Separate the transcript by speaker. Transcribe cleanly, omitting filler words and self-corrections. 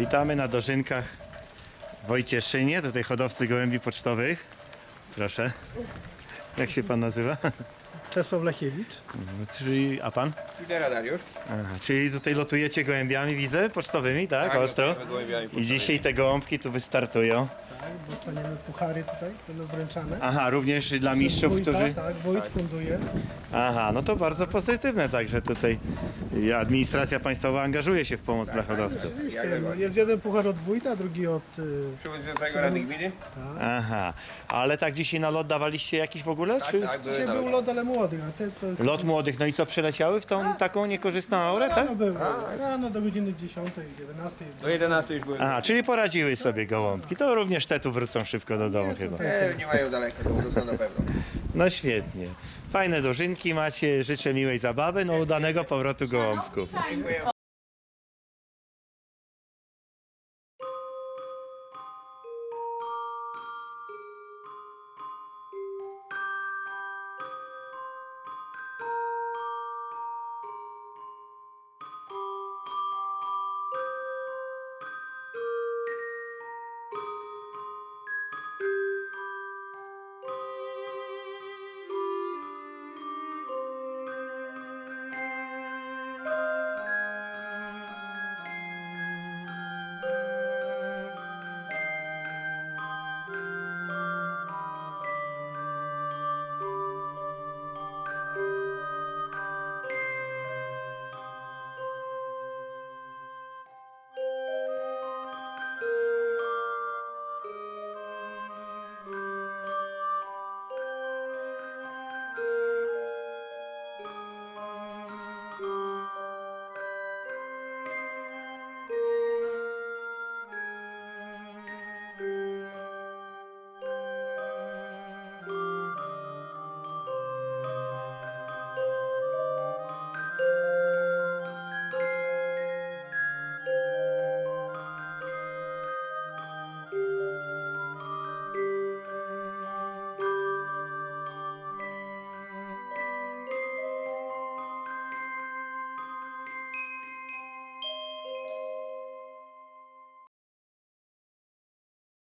Speaker 1: Witamy na dożynkach w Wojcieszynie, tutaj hodowcy gołębi pocztowych. Proszę. Jak się pan nazywa?
Speaker 2: Czesław Lechiewicz.
Speaker 1: A pan?
Speaker 3: Lidera Dariusz.
Speaker 1: Aha, czyli tutaj lotujecie gołębiami, widzę, pocztowymi, tak? Ostro.
Speaker 3: lotujemy gołębiami
Speaker 1: I
Speaker 3: pocztowymi.
Speaker 1: dzisiaj te gołąbki tu wystartują.
Speaker 2: Tak, dostaniemy puchary tutaj, będą wręczane.
Speaker 1: Aha, również dla mistrzów,
Speaker 2: Wójta,
Speaker 1: którzy...
Speaker 2: Tak, wójt funduje.
Speaker 1: Aha, no to bardzo pozytywne, także tutaj administracja państwowa angażuje się w pomoc dla hodowców.
Speaker 2: Oczywiście, no, jest jeden puchar od wójta, drugi od...
Speaker 3: Przewodniczącego Rady Gminy.
Speaker 1: Aha, ale tak dzisiaj na lot dawaliście jakiś w ogóle? Czy?
Speaker 3: Tak, były
Speaker 2: Dzisiaj
Speaker 3: nawet.
Speaker 2: był lot, ale młodych, a te to jest...
Speaker 1: Lot młodych, no i co, przyleciały w tą taką niekorzystną aurę, tak?
Speaker 2: Rano było, rano do godziny 10, 11 jest.
Speaker 3: Do 11 już były.
Speaker 1: Aha, czyli poradziły sobie gołąbki. To również te tu wrócą szybko do domu chyba.
Speaker 3: Nie mają daleko, to wrócą na pewno.
Speaker 1: No świetnie. Fajne dożynki macie, życzę miłej zabawy, no udanego powrotu gołąbków.